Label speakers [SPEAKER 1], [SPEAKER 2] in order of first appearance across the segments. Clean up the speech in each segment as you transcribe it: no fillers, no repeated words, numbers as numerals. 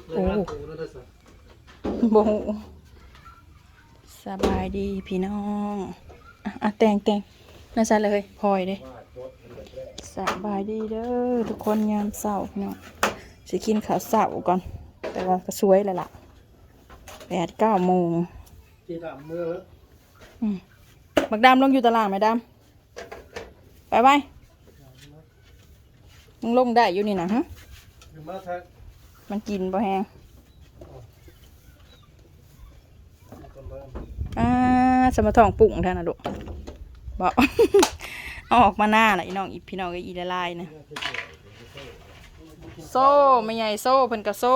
[SPEAKER 1] โอ้โบสบายดีพี่น้องแต่งน่าจะเลยพลอยเด้สบายดีเด้อทุกคนยามเช้าพี่น้องสิกินข้าวเช้าก่อนแต่ว่าก็สวยเลยล่ะ8-9 โมง
[SPEAKER 2] ที่ดำเมื่อ
[SPEAKER 1] บักดำลงอยู่ตารางไหมดำไปมึงลงได้อยู่นี่นะฮะมันกินบ่แฮงสมทองปุ่งแท่นะดุบอก เอาออกมาหน้าหน่อยน้องอีพี่น้องก็อีละลายนะโซ่ไม่ใหญ่โซ่เพิ่นกระโซ่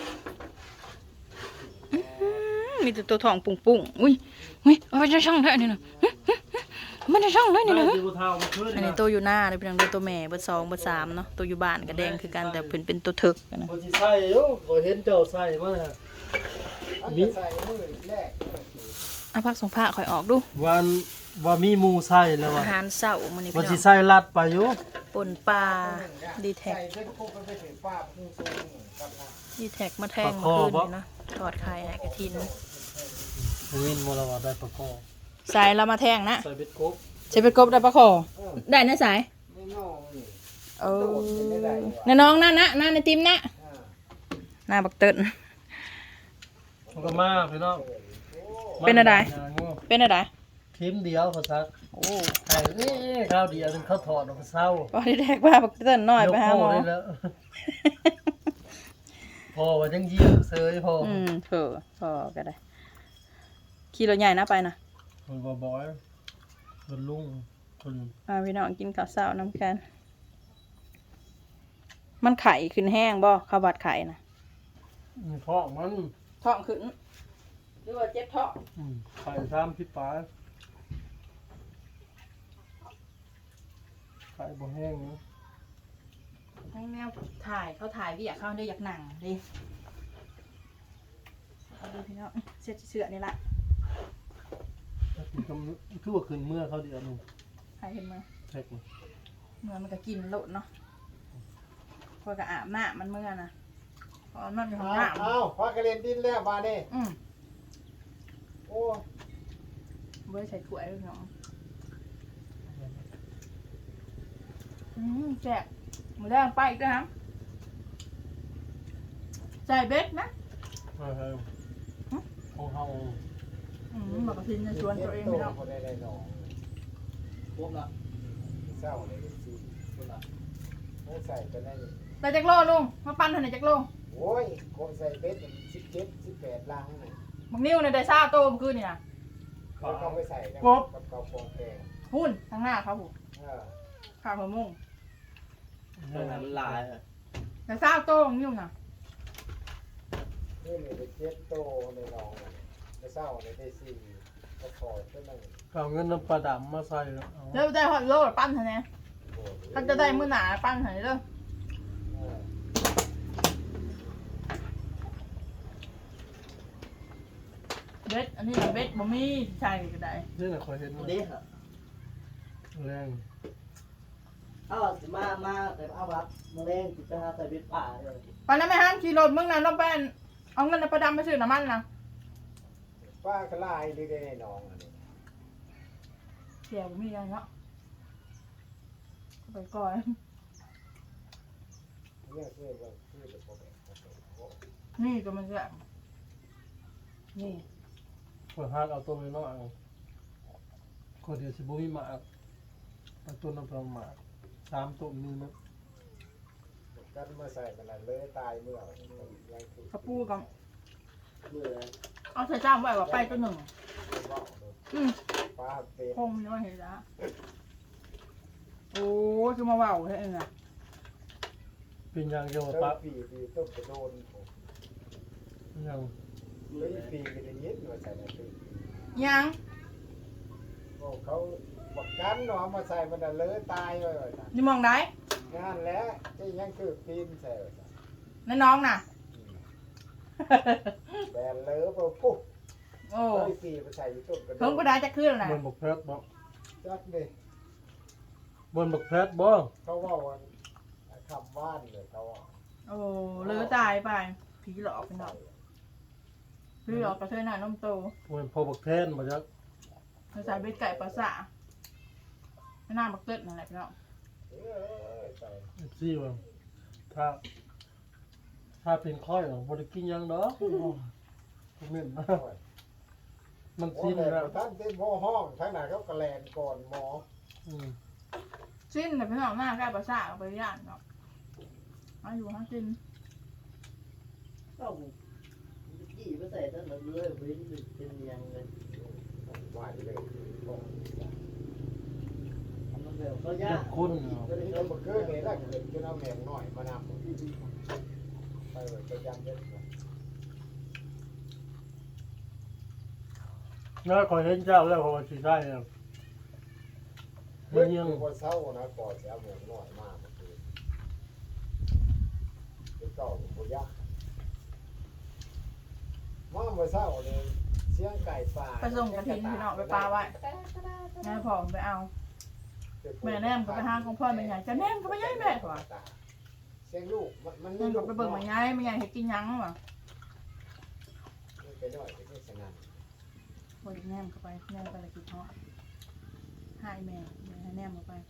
[SPEAKER 1] มีแต่ตัวทองปุ่งอุ้ยเอาไปช่องได้นี่นะมันจะช่องได้นี่นะอันนี้ตัวอยู่หน้าเลยพี่น้องตัวแม่เบอร์2เบอร์3เนาะตัวอยู่บ้านก็แดงคือกันแต่เพิ่นเป็นตัวเถิกนะ
[SPEAKER 2] คนที่ใส่อยู่ก็เห็นเจ้าใส่มามีใส่มือแรก
[SPEAKER 1] เอาพักส่งผ้าข่อยออกดู
[SPEAKER 2] วันว่ามีหมูใส่แล้ว
[SPEAKER 1] อาหารเช้ามื้อนี้พี่น้อง
[SPEAKER 2] ว่าสิใส่ลัดไปอยู่
[SPEAKER 1] ป่นปลาดีแท็กมาแทงมื้อคืนนี่นะทอดไข่ให้กระทิน
[SPEAKER 2] วินโมลาวาได้ปลาคอ
[SPEAKER 1] สายเรามาแทงนะ
[SPEAKER 2] ใส่เบ็ดกบ
[SPEAKER 1] ใส่เบ็ดกบได้ปลาคอได้นะสายน้องนั่นในติมนะหน้าบักเติ้ล
[SPEAKER 2] ก็มาพี่น้อง
[SPEAKER 1] เป็นอะไร
[SPEAKER 2] ทีมเดียวเขาซักโอ้ไอ้นี่ข้าวเดียวเขาถอดออกเศร้า
[SPEAKER 1] พอที่แรกว่าบักเติ้ลน้อยไปหาหมอ
[SPEAKER 2] พอว่ายังยิ้มเซยพอ
[SPEAKER 1] เถอะพอก็ได้ขี่รถใหญ่นะไปนะ
[SPEAKER 2] คนบ่อยคนลุงคน
[SPEAKER 1] พี่น้องกินข้าวเช้าน้ำกันมันไข่ขึ้นแห้งบ่ข้าวผัดไข่นะ
[SPEAKER 2] ท้องมัน
[SPEAKER 1] ท้องขึ้นหรือว่าเจ็บท้อง
[SPEAKER 2] ไข่ทำพิปายไข่บ่แห้งนะ
[SPEAKER 1] ให้แมวเขาถ่ายพี่อยากเข้าได้อยากหนังดิเอาดูพี่น้องเสื้อนี่แหละ
[SPEAKER 2] คือว่าขึ้นเมื่อเขาเดียวนึง
[SPEAKER 1] ใครเห็นมั้ย
[SPEAKER 2] เช็ค
[SPEAKER 1] เมื่อมันก็กินโลดเนาะพอกระอาบน้ำมันเมื่อนะพอมันอยู่ข้างหน้า
[SPEAKER 2] พอกระเด็นดินแล้วมาเนี่ยโอ้
[SPEAKER 1] เว้ยใส่ถ้วยด้วยเนาะแซ่บมือแดงไปอีกนะครับใส่เบ็ดนะ
[SPEAKER 2] ของเฮา
[SPEAKER 1] บอกกับพินจะชวนตัวเองไม่เอา
[SPEAKER 2] พวกละเศร้าเลยสิพวกละไม่ใส่ก็ได้
[SPEAKER 1] แต่จักโลลุงมาปั้นทันไหนจักโล
[SPEAKER 2] โอ้ยคนใส่เบ็ด17-18 ลังนี่
[SPEAKER 1] บางนิ้วในได้ซ่าโตมขึ้นเนี่ย
[SPEAKER 2] เขาไปใส่กับเกาฟองแกง
[SPEAKER 1] หุ่นทางหน้าเขาผมข้าวหัวมุ่ง
[SPEAKER 2] มันลาย
[SPEAKER 1] แต่ซ่าโตบางนิ้วน่ะ
[SPEAKER 2] นี่เป็น7 โตในรองในเศร้าในได้4ก็พอเท่านั้นเอาเงินน้ำปลาดำมาใส่
[SPEAKER 1] แล้วได้ฮอตโลปั้นทันไหนถ้าจะได้มื้อหนาปั้นทันเลยเบ็ดอันนี้เบ็ดบ่มีใช่ก็ได้
[SPEAKER 2] นี่แหละคอยเห็นเด็กแรง
[SPEAKER 3] มาแต่เอาบัตรมาเล่นจิตไปหาใส่เบ็ดป่าเลย
[SPEAKER 1] ปานนั้นไม่ห้ามขี่รถมึงนะเราเป็นเอาเงินไปดำไปซื้อน้ำมันนะ
[SPEAKER 2] ป้ากระไรดีได้น้องอันนี้
[SPEAKER 1] เสียบ่มีอะไรเนาะไปก่อนนี่ก็มันจะนี่
[SPEAKER 2] คนหาเอาตัวน้อยคนเดียวสิบุ้ยมาเอาตัวน้ำปลาหมา3 ตัวนึงนะกันมาใส่มันเลยตายเมื่อก
[SPEAKER 1] ระปูกับเอาใส่จ้างไว้ว่าไปตัวหนึ่ง
[SPEAKER 2] ป้าเป็
[SPEAKER 1] ดคงไม่ว่าเห็นละโอ้คือมาว่าวใช่ไหม
[SPEAKER 2] เป็นยังเดียวป้าปีต้องกระโดนยังปีก็จะยึดมาใส่ในปี
[SPEAKER 1] ยัง
[SPEAKER 2] เขาบอกกันเนาะมาใส่มันเลยตายเลย
[SPEAKER 1] นี่มองได้
[SPEAKER 2] งานแล้วจะยังคือปีนใส่
[SPEAKER 1] นั่นน้องน่ะ
[SPEAKER 2] แบนเลยปุ๊บ
[SPEAKER 1] โอ้
[SPEAKER 2] ปีมาใส่ต้นกระโดด
[SPEAKER 1] เพิ่งก็ได้จะขึ้นแล้วนะ
[SPEAKER 2] บนบกเพชรบ่จักดิบนบกเพชรบ่เขาว่าคำว่านเลยเขาว่า
[SPEAKER 1] โอ้เลยตายไปผีหลอกพี่น้องผีหลอกกระเทยหน้านมโต
[SPEAKER 2] มันพอบักแทนมาจาก
[SPEAKER 1] ภาษาเบ็ดไก่ปลาสะหน้าบักเกิดนั่นแหละพี่น้อง
[SPEAKER 2] ซี่ว่าถ้าเป็นค่อยบริกินยังเนาะเหม็นนะมัน
[SPEAKER 4] โอ้
[SPEAKER 2] ซีน
[SPEAKER 4] แต่
[SPEAKER 2] แล้ว
[SPEAKER 4] ท่านเต็มห้องทั้งไหนเขากระแลนก่อนหมอ
[SPEAKER 1] สิ้นแต่พี่น้องหน้าใกล้ปลาสะเอาไปย่างเนาะมาอยู่ฮะสิ้น
[SPEAKER 3] ก็กี่ไปใส่ตั้งแต่เลยเว้นเป็นยังเลย
[SPEAKER 4] ว่าเลย
[SPEAKER 3] มันแบบก็ยา
[SPEAKER 2] เจ็
[SPEAKER 3] ก
[SPEAKER 2] บคน
[SPEAKER 4] ก็ได้เอามาเกิดเลยแล้วเกิดจนเอาแมงหน่อยมานำไปเลยจะยันเด็ด
[SPEAKER 2] น่าคอยเห็นเจ้าแล้วพอสิได้มันยัง
[SPEAKER 4] คนเศร้านะก่อนจะเอาแมงหน่อยมากคือเป็นเก่าเป็นยักษ์มาเมื่อเศร้าเลยเสียงไก่ป่า
[SPEAKER 1] ไปส่งกระถิ่นพี่น้องไปปลาไว้งานผอมไปเอาแม่แนมก็ไปห้างของพ่อแม่ใหญ่จะแนมก็ไปย้ายแม่ก่อน
[SPEAKER 4] เสียงลูกมัน
[SPEAKER 1] แนมก็ไปเบิ่งแม่ใหญ่แม่ใหญ่เห็ดกินยังวะ
[SPEAKER 4] ไปหน่อยไปที่สนาม
[SPEAKER 1] บไดแนมเข้าไปแนมไปละกินเพาะให้แม่ให้แนมเข้าไป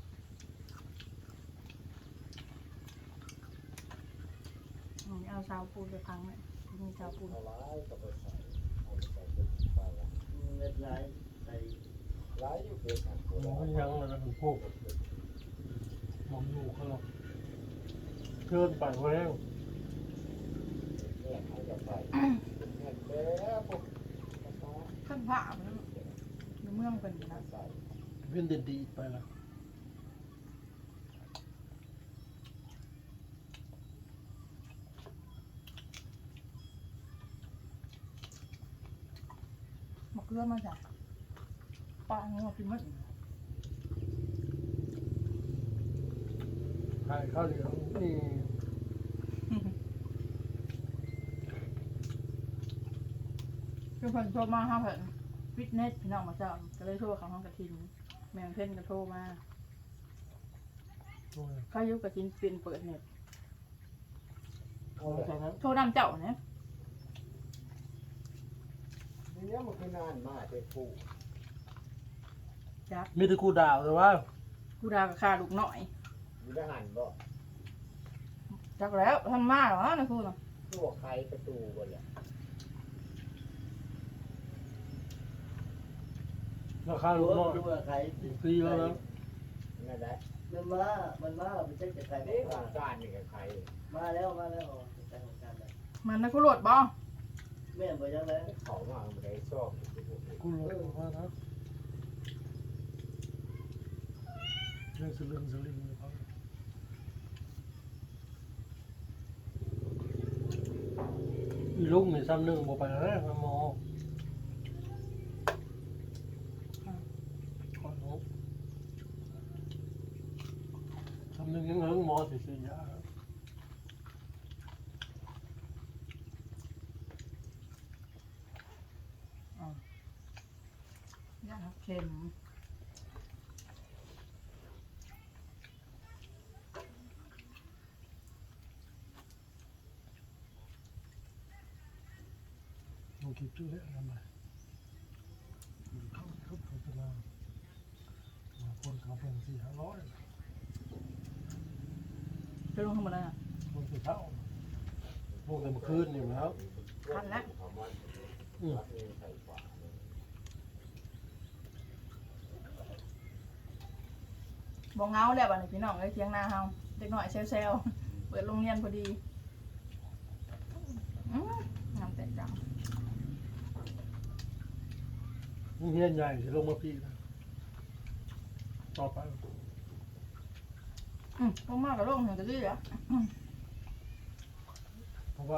[SPEAKER 1] เอาชาวปูนไปพังเลยมีชาวปูน
[SPEAKER 4] เอาร้ายก็ไปใส่เอาไปใส่เป็นปลา
[SPEAKER 3] เม็ดลายใส่
[SPEAKER 4] ร้ายอยู่เพียงกันตัว
[SPEAKER 2] มองยังเลยนะพวกมองอยู่เขาเกินไปแล้ว
[SPEAKER 4] เนี่ยเขาจะไปเงินแล้วพวก
[SPEAKER 1] ข้างผ้ามันในเมืองเป็นนะ
[SPEAKER 4] ใส่
[SPEAKER 2] เว้นเด็ดดีไปแล้ว
[SPEAKER 1] มะเขือมาจากปลาเงี้ยกินมัน
[SPEAKER 2] หายข้าวเหนียวนี่
[SPEAKER 1] คือเพิ่นโทรมาห้าเพิ่นฟิตเนสพี่น้องมาเจ้าก็เลยโทรเขาห้องกระทินแมงเพ่นก็โทรมาเขาอยู่กระทินเป็นเปิดเน็ต
[SPEAKER 2] เอาจากนั้น
[SPEAKER 1] โทรนำเจ้าเนี่ย
[SPEAKER 4] เนี่ยมันคือนานมากเป็นผู้
[SPEAKER 1] จับ
[SPEAKER 2] มีแต่กูด่าวแต่ว่า
[SPEAKER 1] กูดากับคาลูกหน่อย
[SPEAKER 4] อยู่ทหารบ่
[SPEAKER 1] จักแล้วท่านมาเหรอนะคุณ
[SPEAKER 4] ตัวใครประตูบ่เลย
[SPEAKER 2] ราคาลูกน้อย
[SPEAKER 3] ดูใคร
[SPEAKER 2] ฟรีแล้วนะ
[SPEAKER 4] นั่นแหละ
[SPEAKER 3] มันมาเราไปเช็คจากใคร
[SPEAKER 4] นี่ของการนี่กับใคร
[SPEAKER 3] มาแล้วใครของการเลย
[SPEAKER 1] มันนะกูโหลดบ่
[SPEAKER 3] แม่บอกยังไง
[SPEAKER 4] เขามาไม่ได้ชอบ
[SPEAKER 2] กูรู้ว่านะเรื่องสลึงเลยครับอีลูกมีซ้ำหนึ่งบอกไปแล้วนะหมอขอลูกซ้ำหนึ่งยังเฮิงหมอสิยา
[SPEAKER 1] ย่างเค็ม
[SPEAKER 2] ลงคลิปชื่อเรื่องอะไรเขาโฆษณาคนเขาเป็น400-500
[SPEAKER 1] จะลงทำอะไรอ่ะ
[SPEAKER 2] คนสุดเท่าพวกแต่เมื่อคืนอยู่แล้ว
[SPEAKER 1] ทันแล้ว บอกเงาแล้วบ้านพี่น้องเลยเทียงนาเฮาเด็กหน่อยเซลเปิดโรงเรียนพอดีงามแต่จัง
[SPEAKER 2] เฮียนใหญ่สิลงมาพี่นะต่อไป
[SPEAKER 1] ลงมากกับลงหนึ่งก็ดีอ่ะ
[SPEAKER 2] เพราะว่า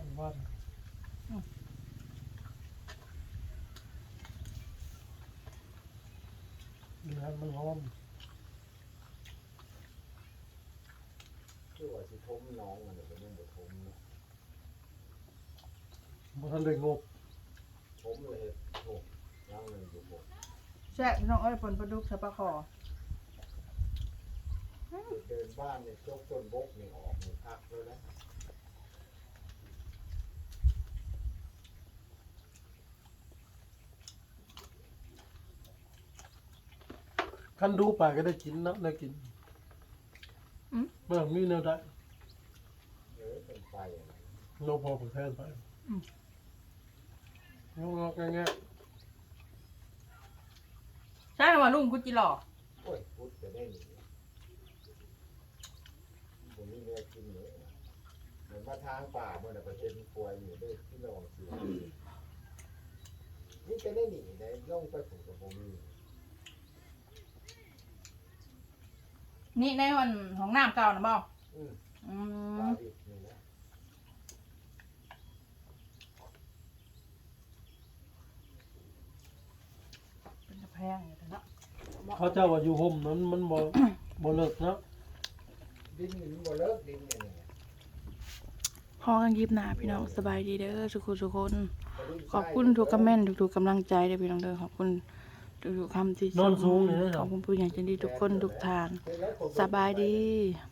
[SPEAKER 2] เนื้อมันหอม
[SPEAKER 4] คือว่าสิทมน้องมันเป็นยังบ่ทมนะ
[SPEAKER 2] บ่ทันได้งบ
[SPEAKER 4] ทมเลยโอ้ย่างเลยอยู่บ่
[SPEAKER 1] แซ่บพี่น้องเอ้ยปนปลาดุกใส่ปลาคอ
[SPEAKER 4] เดินบ้านเนี่ยจกต้นบกนี่ออกนี่พักเลยนะ
[SPEAKER 2] คันดูไปก็ได้กินนะได้กินเมื่อมีแนวได้
[SPEAKER 4] เป็นไฟอะไร
[SPEAKER 2] โลพอผมแทนไปงอกๆแง่
[SPEAKER 1] ใช่ว่าลุงกุจิหล่อ
[SPEAKER 4] โอ้ยพุดจะได้หนีผมมีเนื้อกินเลยเหมือนมาทางป่าเมื่อไหร่ประเทศมีป่วยอยู่ได้ที่ลองซื้อนี่จะได้หนีได้ย่องไปผูกกับผมมี
[SPEAKER 1] นี่ในวันของน้ำเก่านะบ่
[SPEAKER 4] อืม
[SPEAKER 1] อื
[SPEAKER 4] ปลาม ดิบนี่นะ
[SPEAKER 1] เป็นตะแพงอยู่แต่เนาะ
[SPEAKER 2] ๆเขาเจ้าว่าอยู่ห่มนั้นมันบ่เลิกนะ
[SPEAKER 4] ดินมันบ่เลิกดินเนี่ย
[SPEAKER 1] พอกันยิบหนาพี่น้องสบายดีเด้อทุกคนขอบคุณทุกคอมเมนต์ทุกๆกำลังใจเด้อพี่น้องเด้อขอบคุณทุกๆคำที่
[SPEAKER 2] นอนสูงนี่นะ
[SPEAKER 1] ขอบคุณผู้ใหญ่ใจดีทุกคนทุกทานสบายดี
[SPEAKER 4] เ